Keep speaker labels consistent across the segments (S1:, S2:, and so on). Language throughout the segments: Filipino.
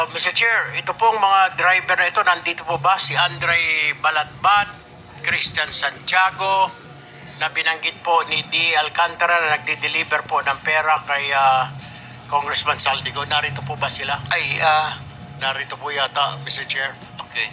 S1: Mr. Chair, ito pong mga driver na ito, nandito po ba si Andre Balatbat, Christian Santiago, na binanggit po ni D. Alcantara na nagde-deliver po ng pera kay Congressman Saldico. Narito po ba sila? Narito po yata, Mr. Chair.
S2: Okay.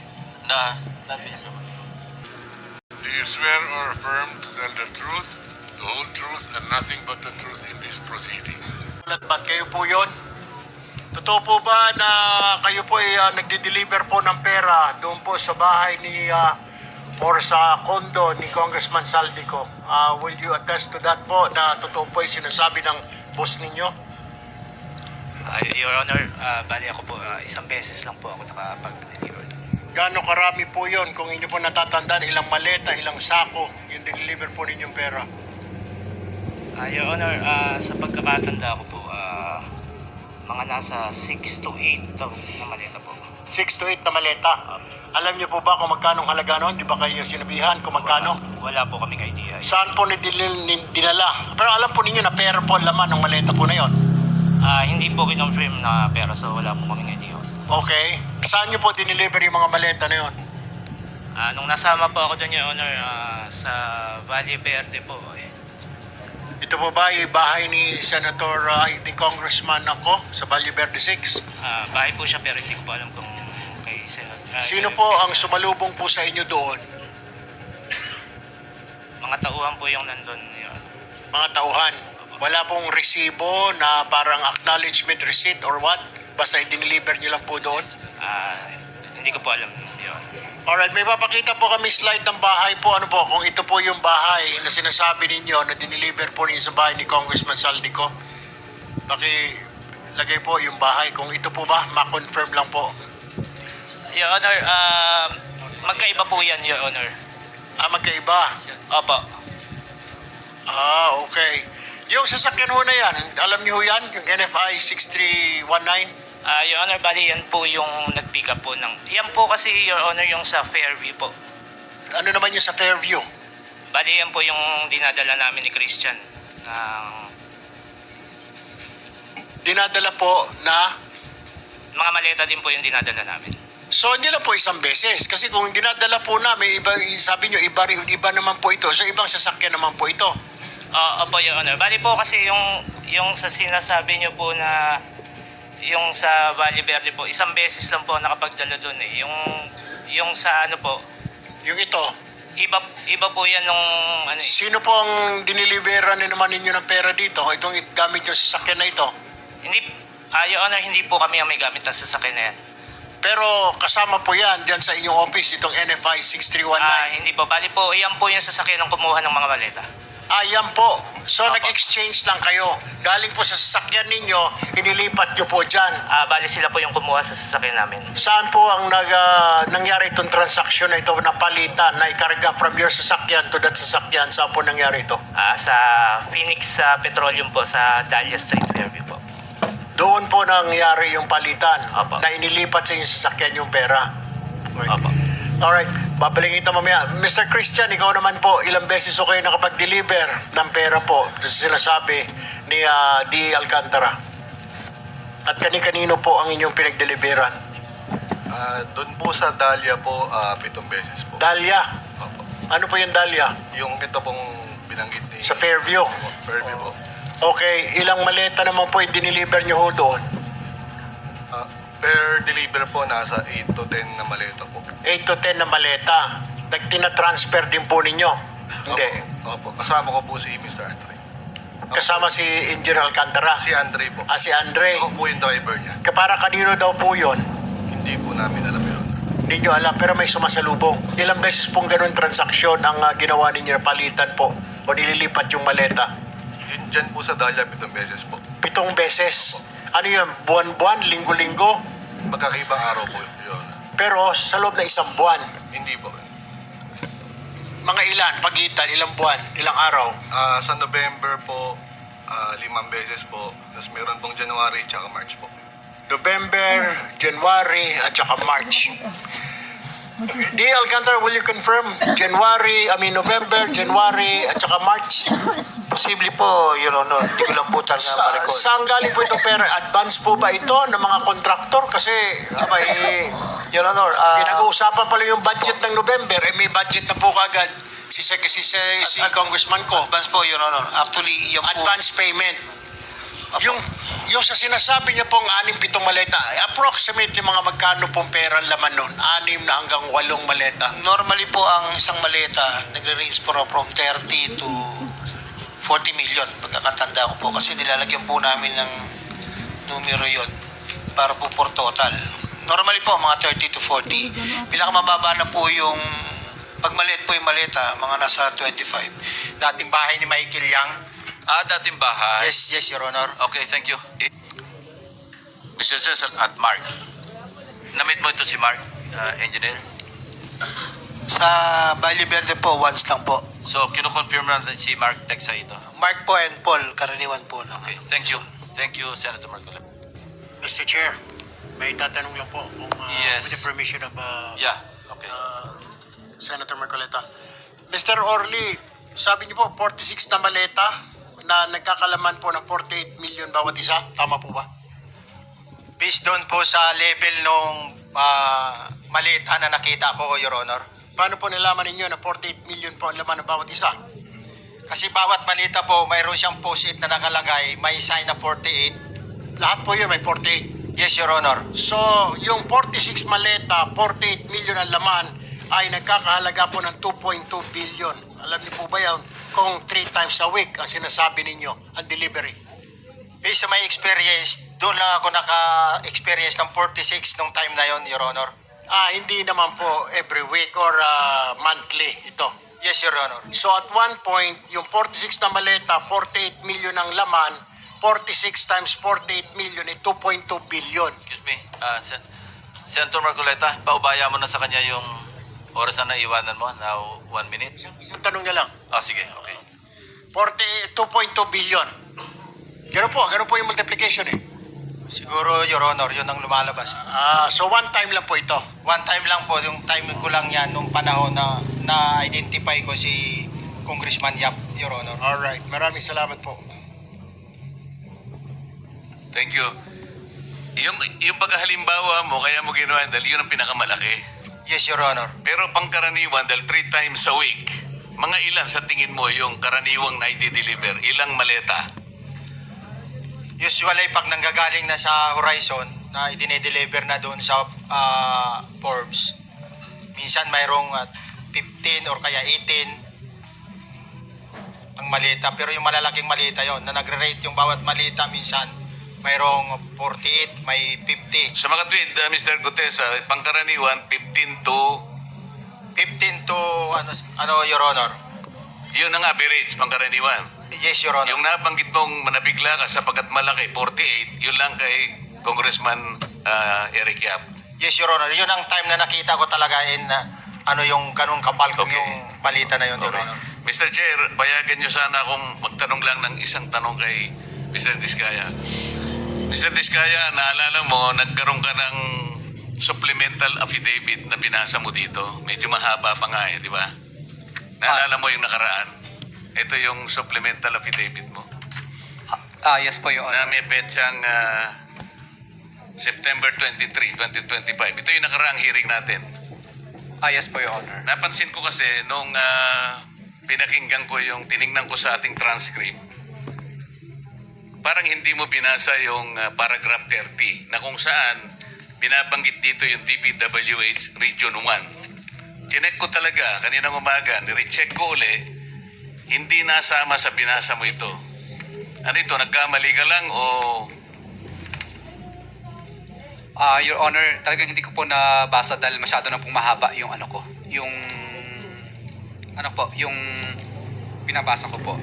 S3: Do you swear or affirm to tell the truth, the whole truth, and nothing but the truth in this proceeding?
S1: Balatbat, kayo po yun? Totoo po ba na kayo po ay nagde-deliver po ng pera doon po sa bahay ni or sa condo ni Congressman Saldico? Will you attest to that po na totoo po ay sinasabi ng boss ninyo?
S4: Your Honor, bali ako po, isang beses lang po ako nakapag-deliver.
S1: Gaano karami po yon kung inyo po natatandaan, ilang maleta, ilang sako yung deliver po ninyong pera?
S4: Your Honor, sa pagkakatanda ko po, mga nasa 6 to 8 na maleta po.
S1: 6 to 8 na maleta. Alam niyo po ba kung magkano ang halaga noon? Di ba kayo sinabihan kung magkano?
S4: Wala po kaming idea.
S1: Saan po dinala? Pero alam po ninyo na pera po ang laman ng maleta po na yon.
S4: Hindi po kinonfirm na pera, so wala po kaming idea.
S1: Okay. Saan niyo po dineliver yung mga maleta na yon?
S4: Nung nasama po ako dyan, Your Honor, sa Valle Verde po,
S1: Ito po ba yung bahay ni Senator, ni Congressman ako sa Valle Verde 6?
S4: bahay po siya pero hindi ko po alam kung kay Senator.
S1: Sino po ang sumalubong po sa inyo doon?
S4: Mga tauhan po yung nandun, Your Honor.
S1: Mga tauhan. Wala pong resibo na parang acknowledgement receipt or what? Basta i-deliver nyo lang po doon?
S4: Hindi ko po alam, Your Honor.
S1: Alright, may papakita po kami slide ng bahay po. Ano po, kung ito po yung bahay na sinasabi ninyo na dineliver po ninyo sa bahay ni Congressman Saldico. Lagay po yung bahay. Kung ito po ba, ma-confirm lang po.
S4: Your Honor, magkaiba po yan, Your Honor.
S1: Magkaiba.
S4: Opo.
S1: Okay. Yung sasakyan ho na yan, alam niyo ho yan? Yung NFI 6319?
S4: Your Honor, bali yan po yung nag-pick up po ng... Yan po kasi, Your Honor, yung sa Fairview po.
S1: Ano naman yung sa Fairview?
S4: Bali yan po yung dinadala namin ni Christian.
S1: Dinadala po na...
S4: Mga maleta din po yung dinadala namin.
S1: So, hindi lang po isang beses. Kasi kung dinadala po namin, sabi nyo, iba naman po ito. So, ibang sasakyan naman po ito.
S4: Opo, Your Honor. Bali po kasi yung sa sinasabi nyo po na... Yung sa Valle Verde po, isang beses lang po nakapagdala doon eh. Yung sa ano po,
S1: Yung ito.
S4: iba po yan nung ano eh.
S1: Sino po ang diniliberan naman ninyo ng pera dito? Itong gamit yung sasakyan na ito.
S4: Hindi, Your Honor, hindi po kami ang may gamit ng sasakyan na yan.
S1: Pero kasama po yan dyan sa inyong office, itong NFI 6319.
S4: Hindi po, bali po, yan po yung sasakyan ng kumuha ng mga maleta.
S1: Yan po. So,
S4: Opo.
S1: nag-exchange lang kayo. Galing po sa sasakyan ninyo, inilipat nyo po dyan.
S4: Bali sila po yung kumuha sa sasakyan namin.
S1: Saan po ang nangyari itong transaksyon na ito na palitan, na ikarga from your sasakyan to that sasakyan? Saan po nangyari ito?
S4: Sa Phoenix Petroleum po, sa Dahlia Street, Fairview po.
S1: Doon po nangyari yung palitan.
S4: Opo.
S1: Na inilipat sa inyong sasakyan yung pera. Okay.
S4: Opo.
S1: Alright, babalikin ito mamaya. Mr. Christian, ikaw naman po, ilang beses o kayo nakapag-deliver ng pera po sa sinasabi ni D. Alcantara? At kani-kanino po ang inyong pinag-deliveran?
S5: Doon po sa Dahlia po, 7 beses po.
S1: Dahlia?
S5: Opo.
S1: Ano po yung Dahlia?
S5: Yung ito pong binanggit ni...
S1: Sa Fairview?
S5: Fairview po.
S1: Okay, ilang maleta naman po yung diniliver nyo ho doon?
S5: Per deliver po, nasa 8 to 10 na maleta po.
S1: 8 to 10 na maleta. Nagtina-transfer din po ninyo? Hindi.
S5: Opo. Kasama ko po si Mr. Andre.
S1: Kasama si Engineer Alcantara?
S5: Si Andre po.
S1: Si Andre?
S5: Ako po yung driver niya.
S1: Para kanino daw po yun?
S5: Hindi po namin alam yun.
S1: Hindi nyo alam, pero may sumasalubong. Ilang beses pong ganun transaksyon ang ginawa ninyo, palitan po o nililipat yung maleta?
S5: Yun dyan po sa Dahlia, 7 beses po.
S1: 7 beses. Ano yun? Buwan-buwan? Linggo-linggo?
S5: Magkakaibang araw po yun.
S1: Pero sa loob na isang buwan.
S5: Hindi po.
S1: Mga ilan? Pagitan? Ilang buwan? Ilang araw?
S5: Sa November po, 5 beses po. Tapos meron pong January tsaka March po.
S1: November, January, at saka March. D. Alcantara, will you confirm? November, January, at saka March?
S2: Posible po, Your Honor. Hindi ko lang po talaga ma-recall.
S1: Saan galing po itong pera? Advance po ba ito ng mga kontraktor? Kasi abay,
S2: Your Honor,
S1: pinag-uusapan pa lang yung budget ng November. May budget na po kagad si Congressman ko.
S2: advance po, Your Honor. Actually, yung po,
S1: Advance payment. Yung sa sinasabi niya pong 6-7 maleta, approximately mga magkano pong pera ang laman nun? 6 na hanggang 8 maleta.
S2: normally po ang isang maleta, nagre-range po from 30 to 40 million. Pagkakatanda ko po kasi nilalagyan po namin ng numero yon para po for total. Normally po, mga 30 to 40. Pinakamababa na po yung, pag maliit po yung maleta, mga nasa 25. Dating bahay ni Michael Yang.
S6: Dating bahay.
S2: Yes, Your Honor.
S6: Okay, thank you.
S3: Mr. Chair,
S6: At Mark. Namit mo ito si Mark, engineer.
S2: Sa Valle Verde po, once lang po.
S6: So, kinukonfirm natin si Mark Texa ito.
S2: Mark po and Paul, karaniwan po.
S6: Okay, thank you. Thank you, Senator Marcola.
S1: Mr. Chair, may tatanong lang po kung
S6: Yes.
S1: with the permission of
S6: Yeah, okay.
S1: Senator Marcoleta. Mr. Orly, sabi niyo po 46 na maleta na nagkakalaman po ng 48 million bawat isa. Tama po ba?
S2: Based doon po sa level nung maliit na nakita ko, Your Honor.
S1: Paano po nalaman ninyo na 48 million po ang laman ng bawat isa?
S2: Kasi bawat malita po, mayroon siyang post-it na nakalagay, may sign na 48.
S1: Lahat po yun may 48.
S2: Yes, Your Honor.
S1: So, yung 46 maleta, 48 million ang laman ay nagkakahalaga po ng 2.2 billion. Alam niyo po ba yan? Kung 3 times a week ang sinasabi ninyo, ang delivery.
S2: Based sa my experience, doon lang ako naka-experience ng 46 nung time na yon, Your Honor.
S1: Hindi naman po every week or monthly ito.
S2: Yes, Your Honor.
S1: So at one point, yung 46 na maleta, 48 million ang laman, 46 times 48 million ay 2.2 billion.
S6: Excuse me, Senator Marcoleta, paubaya mo na sa kanya yung oras na naiwanan mo. Now, 1 minute.
S1: Isang tanong niya lang.
S6: Sige, okay.
S1: 2.2 billion. Ganun po yung multiplication eh.
S2: Siguro, Your Honor, yun ang lumalabas.
S1: So one time lang po ito.
S2: One time lang po, yung time ko lang yan nung panahon na na-identify ko si Congressman Yap, Your Honor.
S1: Alright, maraming salamat po.
S3: thank you. Yung paghalimbawa mo, kaya mo ginawa, dahil yun ang pinakamalaki.
S2: Yes, Your Honor.
S3: Pero pangkaraniwan, dahil 3 times a week, mga ilan sa tingin mo yung karaniwang na i-deliver? Ilang maleta?
S2: Usually, pag nanggagaling na sa Horizon, na idine-deliver na doon sa Forbes, minsan mayroong 15 or kaya 18 ang malita. Pero yung malalaking malita yon na nagre-rate yung bawat malita minsan, mayroong 48, may 50.
S3: Sa mga tweet, Mr. Gutesa, pangkaraniwan, 15 to...
S2: 15 to, Your Honor?
S3: Yun ang average, pangkaraniwan.
S2: Yes, Your Honor.
S3: Yung nabanggit mong manabigla ka sapagkat malaki, 48, yun lang kay Congressman Eric Yap.
S2: Yes, Your Honor. Yun ang time na nakita ko talaga yung ganun kapal kung
S3: Okay.
S2: yung balita na yun, Your
S3: Okay.
S2: Honor.
S3: Mr. Chair, payagan nyo sana akong magtanong lang ng isang tanong kay Mr. Diskaya. Mr. Diskaya, naalala mo, nagkaroon ka ng supplemental affidavit na binasa mo dito. Medyo mahaba pa nga di ba? Naalala mo yung nakaraan? Ito yung supplemental affidavit mo.
S7: Yes po, Your
S3: Na
S7: Honor.
S3: may petsang September 23, 2025. Ito yung nakaraang hearing natin.
S7: Yes po, Your Honor.
S3: Napansin ko kasi nung pinakinggan ko yung tiningnan ko sa ating transcript, parang hindi mo binasa yung paragraph 30 na kung saan binabanggit dito yung DPWH Region 1. Chinek ko talaga kaninang umaga, nirecheck ko uli, hindi nasama sa binasa mo ito. Ano ito, nagkamali ka lang o...
S7: Your Honor, talagang hindi ko po nabasa dahil masyado na pong mahaba yung yung pinabasa ko po.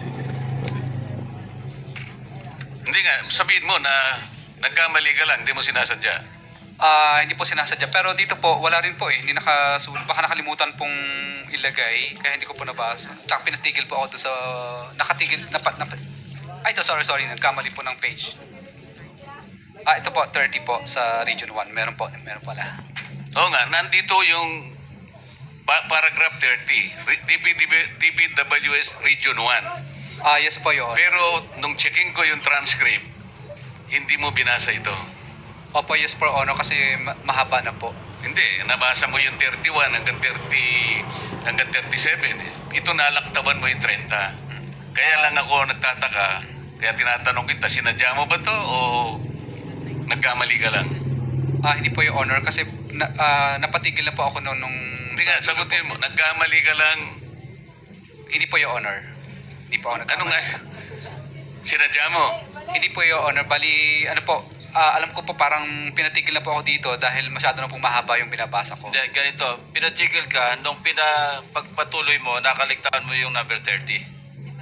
S3: Hindi nga, sabihin mo na nagkamali ka lang, hindi mo sinasadya.
S7: Hindi po sinasadya. Pero dito po, wala rin po eh. Hindi nakasulat. Baka nakalimutan pong ilagay. Kaya hindi ko po nabasa. Tsaka pinatigil po ako doon sa... Nakatigil... ito, sorry. Nagkamali po ng page. Ito po, 30 po sa Region 1. Meron pala.
S3: Oo nga, nandito yung paragraph 30, DPWS Region 1.
S7: Yes po, Your Honor.
S3: Pero nung checking ko yung transcript, hindi mo binasa ito.
S7: Opo, yes po, Your Honor, kasi mahaba na po.
S3: Hindi, nabasa mo yung 31 hanggang 37. Ito nalaktaban mo yung 30. Kaya lang ako nagtataka, kaya tinatanong kita, sinadya mo ba to o nagkamali ka lang?
S7: Hindi po, Your Honor, kasi napatigil na po ako nung...
S3: Hindi nga, sagutin mo, nagkamali ka lang.
S7: Hindi po, Your Honor. Hindi po ako
S3: Ano nga? Sinadya mo?
S7: Hindi po, Your Honor. Bali, ano po, alam ko po parang pinatigil na po ako dito dahil masyado na pong mahaba yung binabasa ko.
S6: Hindi, ganito, pinatigil ka, nung pagpatuloy mo, nakaligtaan mo yung number 30.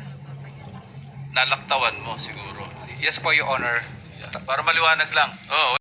S6: Nalaktawan mo siguro.
S7: Yes po, Your Honor.
S6: Para maliwanag lang.
S3: Oo,